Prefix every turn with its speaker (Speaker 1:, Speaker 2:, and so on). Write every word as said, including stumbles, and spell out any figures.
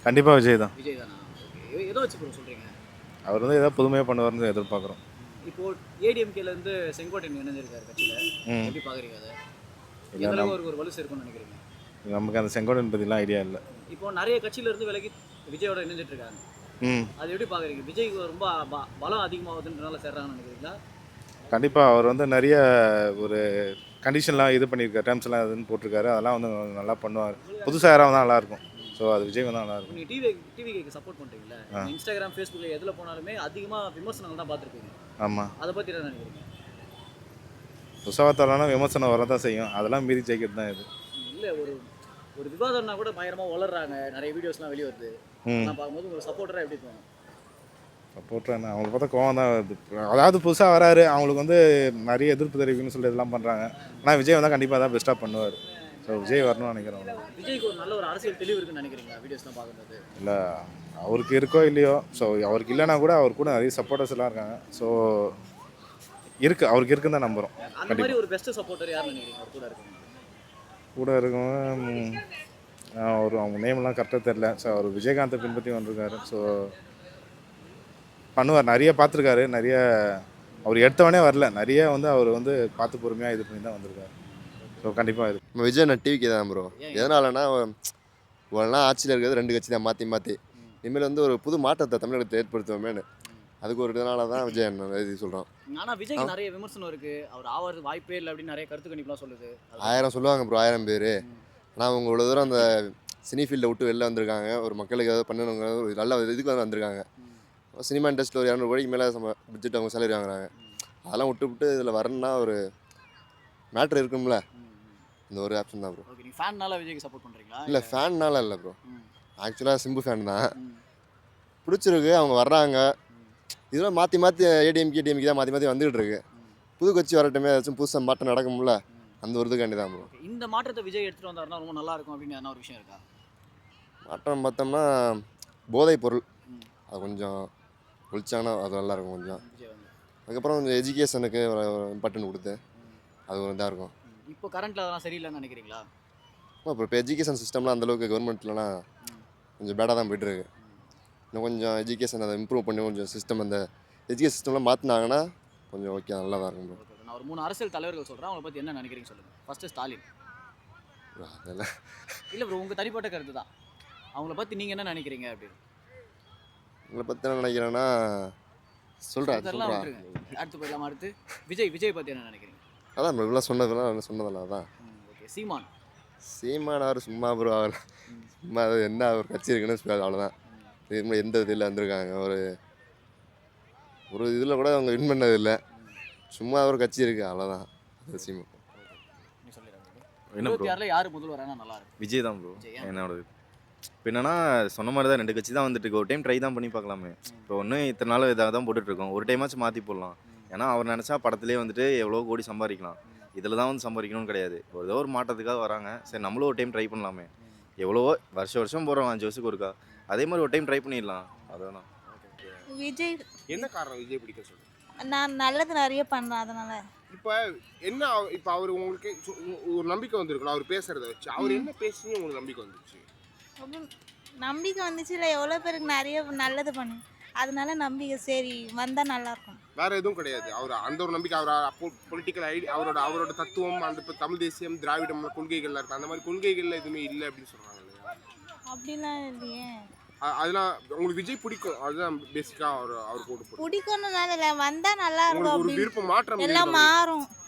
Speaker 1: கண்டிப்பாக விஜய் தான்.
Speaker 2: விஜய் தானா? ஓகே. எதை வச்சு ப்ரோ சொல்கிறீங்க?
Speaker 1: அவர் வந்து ஏதாவது புதுமையாக பண்ணுவார்னு எதிர்பார்க்குறோம்.
Speaker 2: இப்போ ஏடிஎம்கேலேருந்து செங்கோட்டையன் இணைஞ்சிருக்காரு கட்சியில்.
Speaker 1: ம்
Speaker 2: எப்படி பார்க்குறீங்க அதை?
Speaker 1: இல்லை
Speaker 2: எந்த அளவுக்கு
Speaker 1: நம்
Speaker 2: அவருக்கு ஒரு வலு சேர்க்கும்னு நினைக்கிறீங்க?
Speaker 1: நமக்கு அந்த செங்கோடன் பற்றிலாம் ஐடியா இல்லை.
Speaker 2: இப்போ நிறைய கட்சியிலேருந்து விலகி விஜயோட இணைஞ்சிட்டு இருக்காங்க.
Speaker 1: ம்
Speaker 2: அது எப்படி பார்க்குறீங்க? விஜய்க்கு ரொம்ப ப- பலம் அதிகமாகுதுன்றனால சேர்றாங்கன்னு நினைக்கிறீங்களா?
Speaker 1: கண்டிப்பாக அவர் வந்து நிறைய ஒரு கண்டிஷன்லாம் இது பண்ணியிருக்காரு, டேர்ம்ஸ்லாம் இதுன்னு போட்டிருக்காரு. அதெல்லாம் வந்து நல்லா பண்ணுவார். புதுசாக யாராவது தான் நல்லாயிருக்கும். ஸோ அது விஜய் தான் நல்லாயிருக்கும்.
Speaker 2: நீங்கள் டிவி டிவிக்கு சப்போர்ட் பண்ணுறீங்களா? இன்ஸ்டாகிராம் ஃபேஸ்புக்கில் எதில் போனாலுமே அதிகமாக விமர்சனங்கள் தான் பார்த்துருப்பீங்க.
Speaker 1: ஆமாம்,
Speaker 2: அதை பற்றி என்ன நினைக்கிறீங்க?
Speaker 1: புதுசாக தரலாம்னா விமர்சனம் வர தான் செய்யும். அதெல்லாம் மீறி ஜெயிக்கிறது தான் இது.
Speaker 2: இல்லை, ஒரு ஒரு விவாதம்னா கூட பயங்கரமாக வளர்றாங்க, நிறைய வீடியோஸ்லாம் வெளியே வருது.
Speaker 1: ம்
Speaker 2: நான் பார்க்கும்போது ஒரு சப்போர்ட்டராக எப்படி தோணும்?
Speaker 1: சப்போர்ட்டாக என்ன அவங்களுக்கு பார்த்தா கோவம் தான் வருது. அதாவது புதுசாக வராரு, அவங்களுக்கு வந்து நிறைய எதிர்ப்பு தெரிவிக்கணும்னு சொல்லி இதெல்லாம் பண்ணுறாங்க. ஆனால் விஜய் வந்தால் கண்டிப்பாக தான் பெஸ்ட்டாக பண்ணுவார். ஸோ விஜய் வரணும்னு நினைக்கிறோம்.
Speaker 2: விஜய்க்கு ஒரு நல்ல ஒரு அரசியல் தெளிவு இருக்குன்னு நினைக்கிறீங்களா வீடியோஸ்லாம் பார்க்கும்போது?
Speaker 1: இல்லை அவருக்கு இருக்கோ இல்லையோ, ஸோ அவருக்கு இல்லைனா கூட அவர் கூட நிறைய சப்போர்ட்டர்ஸ் எல்லாம் இருக்காங்க. ஸோ இருக்குது, அவருக்கு இருக்குன்னு தான் நம்புகிறோம்.
Speaker 2: அந்த மாதிரி ஒரு பெஸ்ட் சப்போர்ட்டர் யாருன்னு நினைக்கிறீங்க அவர் கூட இருக்கவங்க?
Speaker 1: கூட இருக்கவங்க ஒரு அவங்க நேம்லாம் கரெக்டாக தெரில. ஸோ அவர் விஜயகாந்தை பின்பற்றி வந்திருக்காரு. ஸோ பண்ணுவார், நிறைய பார்த்துருக்காரு. நிறைய அவர் எடுத்தவனே வரல, நிறைய வந்து அவர் வந்து பார்த்து பொறுமையாக இது பண்ணி தான் வந்திருக்காரு. ஸோ கண்டிப்பாக இது
Speaker 3: நம்ம விஜய் நான் டிவிக்கு தான் ப்ரோ.
Speaker 2: ஏன்?
Speaker 3: எதனாலனா இவ்வளோலாம் ஆட்சியில் இருக்கிறது ரெண்டு கட்சி தான் மாற்றி மாற்றி. இனிமேல் வந்து ஒரு புது மாற்றத்தை தமிழகத்தை ஏற்படுத்துவோமேனு அதுக்கு ஒரு இதனால தான் விஜய் அண்ணன் இது சொல்கிறோம்.
Speaker 2: ஆனால் விஜய்க்கு நிறைய விமர்சனம் இருக்குது, அவர் ஆவது வாய்ப்பே இல்லை அப்படின்னு நிறைய கருத்து கணிப்புலாம் சொல்லுது.
Speaker 3: ஆயிரம் சொல்லுவாங்க ப்ரோ, ஆயிரம் பேர். ஆனால் அவங்க இவ்வளோ தூரம் அந்த சினி ஃபீல்டை விட்டு வெளில வந்திருக்காங்க. ஒரு மக்களுக்கு ஏதாவது பண்ணணுங்க ஒரு நல்ல இதுக்கு வந்து வந்திருக்காங்க. சினிமா இண்டஸ்ட்ரியில் ஒரு இரநூறு கோடிக்கு மேலே நம்ம பட்ஜெட் அவங்க சேலரி வாங்குறாங்க. அதெல்லாம் விட்டு விட்டு இதில் வரணும்னா ஒரு மேட்ரு இருக்கும்ல, இந்த ஒரு ஆப்ஷன் தான் ப்ரோ.
Speaker 2: ஓகே, நீங்கள் ஃபேன்னால விஜய்க்கு சப்போர்ட் பண்ணுறீங்களா?
Speaker 3: இல்லை ஃபேன்னால இல்லை ப்ரோ,
Speaker 2: ம்.
Speaker 3: ஆக்சுவலாக சிம்பு ஃபேன் தான்.
Speaker 2: ம்.
Speaker 3: பிடிச்சிருக்கு, அவங்க வர்றாங்க. இதெல்லாம் மாற்றி மாற்றி ஏடிஎம்கே ஏடிஎம்கே தான் மாற்றி மாற்றி வந்துகிட்டு இருக்கு. புது கட்சி வரட்டுமே, ஏதாச்சும் புதுசாக மாற்றம் நடக்கும்ல, அந்த ஒரு இதுக்காண்டி தான் ப்ரோ.
Speaker 2: ஓகே, இந்த மாற்றத்தை விஜய் எடுத்துகிட்டு வந்தாருன்னா ரொம்ப நல்லா இருக்கும் அப்படின்னு என்ன ஒரு விஷயம் இருக்கா?
Speaker 3: மாற்றம் பார்த்தோம்னா போதைப் பொருள்
Speaker 2: ம்.
Speaker 3: அது கொஞ்சம் ஒழிச்சாங்கன்னா அது நல்லாயிருக்கும் கொஞ்சம்.
Speaker 2: விஜய் வந்து
Speaker 3: அதுக்கப்புறம் கொஞ்சம் எஜுகேஷனுக்கு ஒரு இம்பார்ட்டன்ட் கொடுத்து அது ஒரு இதாக இருக்கும்.
Speaker 2: ம். இப்போ கரண்ட்டில் அதெல்லாம் சரியில்லைன்னு நினைக்கிறீங்களா?
Speaker 3: அப்புறம் இப்போ எஜுகேஷன் சிஸ்டம்லாம் அந்தளவுக்கு கவர்மெண்ட்லலாம் கொஞ்சம் பேடாக தான் போய்ட்டுருக்கு. இன்னும் கொஞ்சம் எஜுகேஷன் அதை இம்ப்ரூவ் பண்ணி கொஞ்சம் சிஸ்டம் அந்த எஜுகேஷன் சிஸ்டம்லாம் மாற்றினாங்கன்னா கொஞ்சம் ஓகே நல்லா தான் இருக்கும் ப்ரோ.
Speaker 2: ஓகே, நான் ஒரு மூணு அரசியல் தலைவர்கள் சொல்கிறேன், அவங்களை பற்றி என்ன நினைக்கிறீங்க சொல்லுங்கள். ஃபஸ்ட்டு ஸ்டாலின்.
Speaker 3: அதெல்லாம்
Speaker 2: இல்லை ப்ரோ, உங்கள் தனிப்பட்ட கருத்து தான், அவங்கள பற்றி நீங்கள் என்ன நினைக்கிறீங்க அப்படின்னு
Speaker 3: உங்களை பற்றி என்ன நினைக்கிறேன்னா சொல்கிறேன்
Speaker 2: அதெல்லாம்
Speaker 3: சொல்கிறேன்
Speaker 2: விட்டுருங்க. அடுத்து போயிடலாம். அடுத்து விஜய் விஜய் பற்றி என்ன நினைக்கிறீங்க?
Speaker 3: அதான் ப்ரோ இவ்வளோ சொன்னதெல்லாம் சொன்னதில்ல அதான்.
Speaker 2: ம். ஓகே, சீமான்.
Speaker 3: சீமானார் சும்மா ப்ரோ, அவர் சும்மா அது என்ன ஒரு கட்சி இருக்குன்னு சொல்லி அவ்வளோதான். இதுக்கு முன்னாடி எந்த இதில் வந்திருக்காங்க, ஒரு ஒரு இதில் கூட அவங்க வின் பண்ணது இல்லை. சும்மா ஒரு கட்சி இருக்குது அவ்வளோதான். அது சீமா.
Speaker 2: நீ சொல்லிடுறாங்க.
Speaker 4: என்ன
Speaker 2: இருபத்தி
Speaker 4: ப்ரோ?
Speaker 2: ஆறில் யார் முதல்வரானா நல்லா இருக்கும்?
Speaker 4: விஜய் தான் ப்ரோ.
Speaker 2: விஜய். ஏன்?
Speaker 4: என்னோட இப்போ என்னன்னா சொன்ன மாதிரி தான் ரெண்டு கட்சி தான் வந்துட்டு இருக்கு. ஒரு டைம் ட்ரை தான் பண்ணி பார்க்கலாமே. இப்போ ஒன்று இத்தனை நாள் இதாக தான் போட்டுட்ருக்கோம், ஒரு டைமாச்சும் மாற்றி போடலாம். ஏன்னா அவர் நினச்சா படத்துலேயே வந்துட்டு எவ்வளோ கோடி சம்பாதிக்கலாம். இதில் தான் வந்து சம்பாதிக்கணும்னு கிடையாது. ஏதோ ஒரு மாற்றத்துக்காக வராங்க, சரி நம்மளும் ஒரு டைம் ட்ரை பண்ணலாமே. எவ்வளவோ வருஷம் வருஷம் போகிறோம் அஞ்சு வருஷத்துக்கு ஒருக்கா, அதே மாதிரி ஒரு டைம் ட்ரை பண்ணிடலாம். அதான்
Speaker 5: விஜய்.
Speaker 6: என்ன காரணம் விஜய் பிடிக்க சொல்லு?
Speaker 5: நான் நல்லது நிறைய பண்ணேன் அதனால.
Speaker 6: இப்போ என்ன அவ- இப்போ அவர் உங்களுக்கு சு- ஒரு நம்பிக்கை வந்திருக்கலாம் அவர் பேசுறத வச்சு. அவர் என்ன பேசுனீங்க உங்களுக்கு நம்பிக்கை வந்துச்சு?
Speaker 5: அப்புறம் நம்பிக்கை வந்துச்சு இல்லை, எவ்வளோ பேருக்கு நிறைய நல்லது பண்ணு, அதனால நம்பிக்கை சரி வந்தால் நல்லாயிருக்கும்.
Speaker 6: வேற எதுவும் கிடையாது. அவர் அந்த ஒரு நம்பிக்கை, அவர் பொலிட்டிக்கல் ஐடி அவரோட அவரோட தத்துவம் அந்த இப்போ தமிழ் தேசியம் திராவிடம் கொள்கைகள்லாம் இருக்கு, அந்த மாதிரி கொள்கைகள்ல எதுவுமே இல்லை அப்படின்னு சொல்றாங்க இல்லையா?
Speaker 5: அப்படிலாம் இல்லையே.
Speaker 6: அ- அதெல்லாம் உங்களுக்கு விஜய் பிடிக்கும், அதுதான் பேசிக்கா அவர் அவர் போட்டு போட்டு
Speaker 5: பிடிக்கணும்னால இல்லை, வந்தால் நல்லா இருக்கும்
Speaker 6: உங்களுக்கு ஒரு
Speaker 5: அப்படின்னு
Speaker 6: விருப்பம் மாற்றம்
Speaker 5: எல்லாம்
Speaker 6: இருக்கா?
Speaker 5: மாறும்.